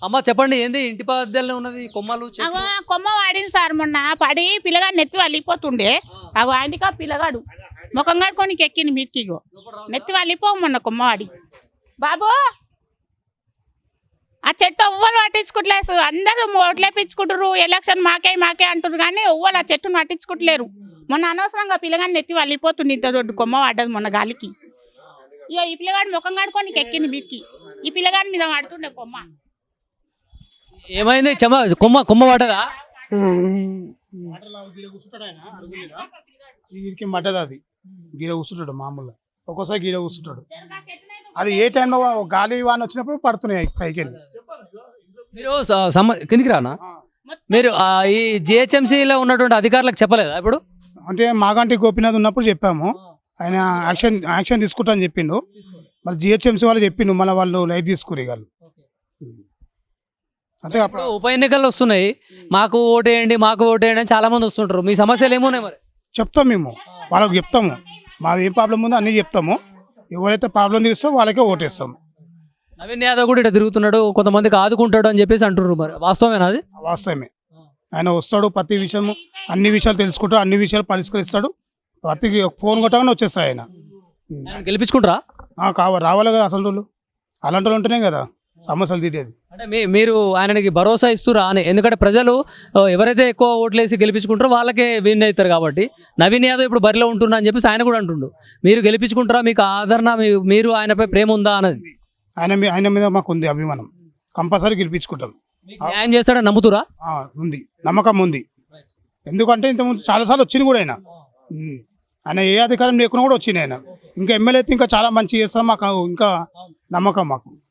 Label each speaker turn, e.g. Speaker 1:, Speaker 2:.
Speaker 1: అమ్మ చెప్పండి ఏంది ఇంటి పద్దెల్లో ఉన్నది కొమ్మలు చెట్లు?
Speaker 2: అగో కొమ్మ వాడింది సార్ మొన్న పడి పిల్లగాడు నెత్తి వెళ్ళిపోతుండే. అగో ఆయనకా పిల్లగాడు ముఖం కడుకొని ఎక్కింది మీదికి. ఇగో నెత్తి వెళ్ళిపోవు మొన్న కొమ్మ వాడి. బాబు ఆ చెట్టు ఎవ్వరు పట్టించుకోవట్లేదు. అందరూ ఓట్లేపించుకుంటారు, ఎలక్షన్ మాకే మాకే అంటారు కానీ ఎవ్వరు ఆ చెట్టును పట్టించుకోవట్లేరు. మొన్న అనవసరంగా పిల్లగాని నెత్తి వెళ్ళిపోతుంది. ఇంత దొడ్డు కొమ్మ పడ్డది మొన్న గాలికి. ఇగో ఈ పిల్లగాడు ముఖం కడుకొని ఎక్కింది మీదికి. ఈ పిల్లగాడి మీద పడుతుండే కొమ్మ.
Speaker 1: ఏమైంది కొమ్మ కొమ్మ పడ్డదా?
Speaker 3: వీరికి మటది అది గీడ కూర్చుంటాడు మామూలుగా. ఒక్కోసారి గీడ కూర్చుంటాడు. అది ఏ టైంలో గాలి వాన వచ్చినప్పుడు పడుతున్నాయి పైకి వెళ్ళి.
Speaker 1: మీరు కిందికి రానా? మీరు ఈ జిహెచ్ఎంసీలో ఉన్నటువంటి అధికారులకు చెప్పలేదా ఇప్పుడు?
Speaker 3: అంటే మాగంటి గోపీనాథ్ ఉన్నప్పుడు చెప్పాము. ఆయన యాక్షన్ తీసుకుంటా అని చెప్పిండు. మరి జిహెచ్ఎంసీ వాళ్ళు చెప్పిండు, మళ్ళీ వాళ్ళు లైట్ తీసుకుని వాళ్ళు. అంతే.
Speaker 1: ఇప్పుడు ఉప ఎన్నికలు వస్తున్నాయి, మాకు ఓటేయండి మాకు ఓటేయండి అని చాలా మంది వస్తుంటారు. మీ సమస్యలు ఏమున్నాయి మరి?
Speaker 3: చెప్తాం మేము, వాళ్ళకి చెప్తాము. మాది ఏం ప్రాబ్లం ఉందో అన్నీ చెప్తాము. ఎవరైతే ప్రాబ్లం తీరుస్తో వాళ్ళకే ఓటేస్తాం.
Speaker 1: నవీన్ యాదవ్ కూడా ఇక్కడ తిరుగుతున్నాడు, కొంతమందికి ఆదుకుంటాడు అని చెప్పేసి అంటున్నారు. మరి వాస్తవమేనా అది?
Speaker 3: వాస్తవమే. ఆయన వస్తాడు, ప్రతి విషయము అన్ని విషయాలు తెలుసుకుంటాడు, అన్ని విషయాలు పరిష్కరిస్తాడు. ప్రతి ఫోన్ కొట్టగానే వచ్చేస్తాడు ఆయన.
Speaker 1: గెలిపించుకుంటారా?
Speaker 3: రావాలి కదా అసలు వాళ్ళు. అలాంటి వాళ్ళు ఉంటేనే కదా సమస్యలు తీరేది.
Speaker 1: అంటే మీరు ఆయనకి భరోసా ఇస్తురా అని? ఎందుకంటే ప్రజలు ఎవరైతే ఎక్కువ ఓట్లేసి గెలిపించుకుంటారో వాళ్ళకే విన్ అవుతారు కాబట్టి. నవీన్ యాదవ్ ఇప్పుడు బరిలో ఉంటున్నా అని చెప్పేసి ఆయన కూడా అంటుండు. మీరు గెలిపించుకుంటారా? మీకు ఆదరణ, మీరు ఆయనపై ప్రేమ ఉందా అన్నది?
Speaker 3: ఆయన మీద మాకు ఉంది అభిమానం. కంపల్సరీ గెలిపించుకుంటాం.
Speaker 1: న్యాయం చేస్తాడని నమ్ముతురా?
Speaker 3: ఉంది, నమ్మకం ఉంది. ఎందుకంటే ఇంతకుముందు చాలాసార్లు వచ్చింది కూడా ఆయన ఏ అధికారం లేకుండా కూడా వచ్చింది ఆయన. ఇంకా ఎమ్మెల్యే అయితే ఇంకా చాలా మంచి చేస్తాం. మాకు ఇంకా నమ్మకం మాకు.